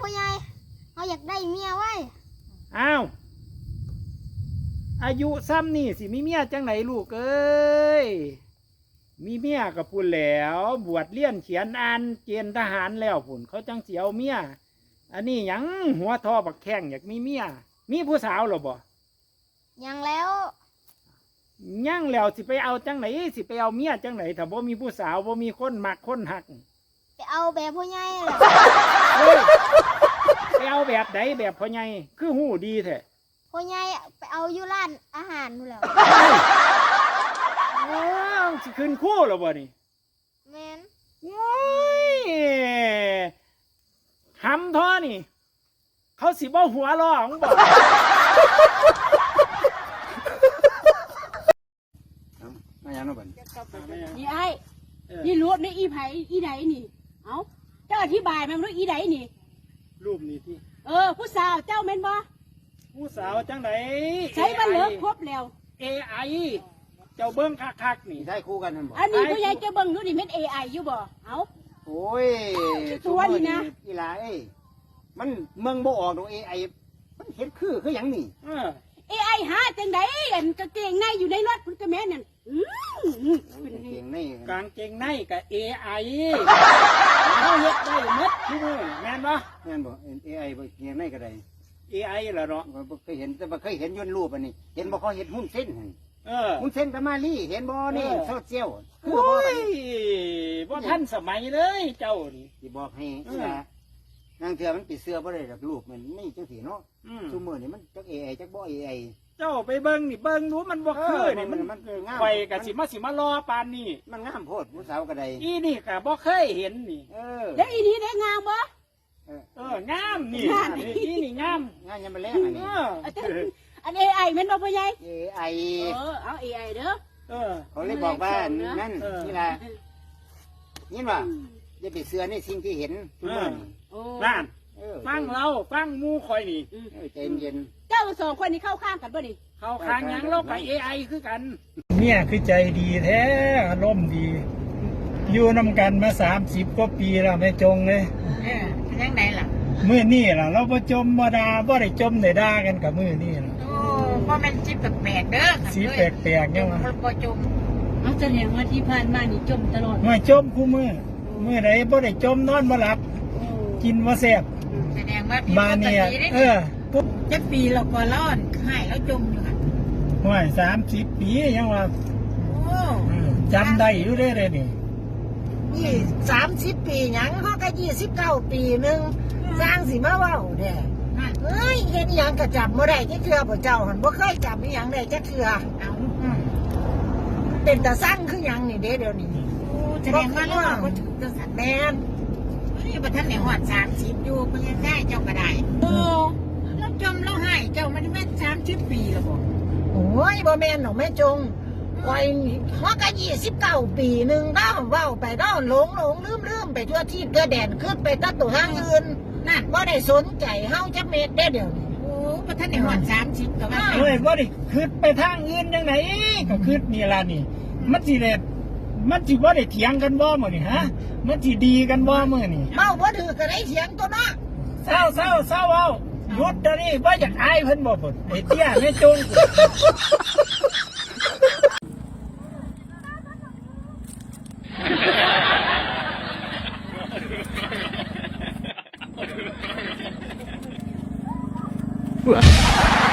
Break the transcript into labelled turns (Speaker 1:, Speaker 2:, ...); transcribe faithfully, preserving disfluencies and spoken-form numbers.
Speaker 1: พ่อใหญ่เขาอยากได้เมียไว้
Speaker 2: อ้าวอายุซ้ำนี่สิมีเมียจังไหนลูกเอ้ยมีเมียกับปุ่นแล้วบวชเลี้ยนเขียนอ่านเกณฑ์ทหารแล้วปุ่นเขาจังเสียวเมียอันนี้ยังหัวทอบักแข้งอยากมีเมียมีผู้สาวหรอบ่
Speaker 1: ยังแล้ว
Speaker 2: ยังแล้วสิไปเอาจังไหนสิไปเอาเมียจังไหนถ้าบ่มีผู้สาวบ่มีคนมักคนหัก
Speaker 1: ไปเอาแบบพ่อใหญ่แหละ
Speaker 2: ไปเอาแบบไหนแบบพ่อใหญ่คือหูดีแท้
Speaker 1: พ่อใหญ่ไปเอาอยู่ร้านอาหารนู่นแหละ
Speaker 2: ว้าวสิขึ้นคู่หรอบ่นี่
Speaker 1: แมน
Speaker 2: โอ้ยหำท่อนี่เขาสิบ่หัวร้องบ่
Speaker 3: มาอย่างนั้นบ่
Speaker 4: นี่ไอ้นี่รู้นี่อีไผอีไดนี่เอ้าเจ้าอธิบายมันรู้อีไดนี่
Speaker 2: รูปนี้ที่
Speaker 4: เออผู้สาวเจ้าแม่นบ่
Speaker 2: ผู้สาวจังไหน
Speaker 4: ใช้มันเลิกครบแล้ว
Speaker 2: เอ ไอ เจ้าเบิ้งคักๆนี่
Speaker 3: ได้คู่กันนั่นบ่
Speaker 4: อันนี้ผู้ใหญ่เจ้าเบิ้งรู้นี่เม็ด เอ ไอ อยู่บ่เอ้า
Speaker 3: โอ้ย
Speaker 4: ตัวนี่นะ
Speaker 3: อีหลาเอ้ยมันเมืองบ่ออกดอก เอ ไอ มันเห็นคือคือหยังนี่
Speaker 2: เออ
Speaker 4: เอ ไอ หาจังได๋อันกางเกงในอยู่ในรถพุ่นก็แม่นนั่นอื้อเป็น
Speaker 3: กางเกงใน
Speaker 2: กางเกงในกับ เอ ไอ เขาเฮ็ดได้หมดทุกมื้อแม่นบ่
Speaker 3: แม่นบ่ เอ ไอ บ่เกงในก็ได้
Speaker 2: เอ ไอ ล่ะเนาะ
Speaker 3: บ่เคยเห็นแต่บ่เคยเห็นยนต์รูปอันนี้เห็นบ่เขาเฮ็ดหุ้นเส้นหั่น
Speaker 2: เออ
Speaker 3: หุ้นเส้นกับมาลี่เห็นบ่นี่โซเชียล
Speaker 2: โอ้ยบ่ทันสมัยเลยเจ้านี่
Speaker 3: สิบอกให้อีหลานางเถื่อมันปิดเสื้อบ่ได้ดอกรูปมันนี่จังซี่เนาะซุมื้อนี่มันจัก เอ ไอ จักบ่ เอ ไอ
Speaker 2: เจ้าไปเบิ่งนี่เบิ่งรู้มันบ่คือนี่มัน
Speaker 3: มันคืองาม
Speaker 2: ไปก็สิมาสิมารอปานนี้
Speaker 3: มันงามโพดผู้สาวก็ได้
Speaker 2: อีนี่ก็บ่เคยเห็นนี่
Speaker 3: เออ
Speaker 4: แล้วอีนี้ได้งามบ่
Speaker 2: เออเอองามนี่อีนี่งาม
Speaker 3: งามยังบ่แลงอันนี้
Speaker 4: อัน เอ ไอ แม่นบ่พ่อใหญ่
Speaker 3: เอ ไอ
Speaker 4: เออเอา เอ ไอ เด้อ
Speaker 2: เออ
Speaker 3: เขาเลยบอกว่านั่นนี่ล่ะยินว่าอย่าไปเชื่อในสิ่งที่เห็นทุกมื้อนี่
Speaker 2: นั่นฟังเราฟังหมู่ข่อยนี่
Speaker 3: ใจเย็น
Speaker 4: เจ้าสองคนนี้เข้าข้างกันบ่นี่
Speaker 2: เข้าข้างหยังเรากับ เอ ไอ คือกันเนี่ยคือใจดีแท้อารมณ์ดีอยู่นำกันมาสามสิบกว่าปีแล้วไม่จงเลย
Speaker 4: เออยังไงล่ะ
Speaker 2: มื้อนี้ล่ะเราบ่จมบ่ด่าบ่ได้จมได้ด่ากันกับมื้อนี้ล่ะ
Speaker 4: โอ้บ่แม่นสิแปลกๆเด้อ
Speaker 2: สิแปลกๆยังว่า
Speaker 4: บ่จมเอาแสดงว่าที่ผ่านมานี่จมตลอด
Speaker 2: ไม่จมคู่มื้อมื้อใดบ่ได้จมนอนบ่หลับกินบ่แซ่บ
Speaker 4: แสดงว่าพี่
Speaker 2: มาเนี่ยเออ
Speaker 4: ปุ๊บจักปีเราก็รอดหายแล้วจมอยู่ค่ะ
Speaker 2: ห้วยสามสิบปียังว่า
Speaker 4: โอ้
Speaker 2: จำได้อยู่ได้เลยนี่
Speaker 5: ยี่สามสิบปีหยังเขาก็ยี่สิบเก้าปีหนึ่งสร้างสิมาว่าเด้เฮ้ยเห็นหยังกระจับเมื่อไรที่เถื่อบ่เจ้าหันบ่เคยจับหยังได้จักเถื่อเป็นตาสร้างคือหยังนี่เด้เดี๋ยวนี้
Speaker 4: แสดงว่าเราก็ถือตัวสัตว์
Speaker 5: แมน
Speaker 4: นี่ประท่านในหอดสามสิบอยู่เพื่อได้เจ้าก็ได้โอ้เราจมเราหายเจ้ามันแม่สามสิบปีแล้วบ่
Speaker 5: โอ้ยบ่แมนหนองแม่จงไว้เขาก็ยี่สิบเก้าปีหนึ่งด้าวว่าไปด้าวหลงหลงลืมลืมไปทั่วที่เกลือแดนขึ้นไปตัดตัวห้างอื่นนั่นบ่ได้สนใจเฮาจักเม็ดได้เดี๋ยวนี้
Speaker 4: โอ้ประท่านในหอดสามสิบก็ว่า
Speaker 2: เฮ้ยบ่ได้ขึ้นไปทางอื่นยังไงก็ขึ้นนี่ล่ะนี่มันสิเด็ดมันสิบ่ได้เถียงกันบ่มื้อนี่ฮะมันสิดีกันบ่มื้อนี่
Speaker 5: เมาบ่ถือก็ได้เถียงตัวเนาะ
Speaker 2: เศร้าเศร้าเศร้าเอาหยุดเดี๋ยวนี้บ่อยากอายเพิ่นบ่พุ่นไอ้เตี้ยแม่จง
Speaker 3: Wah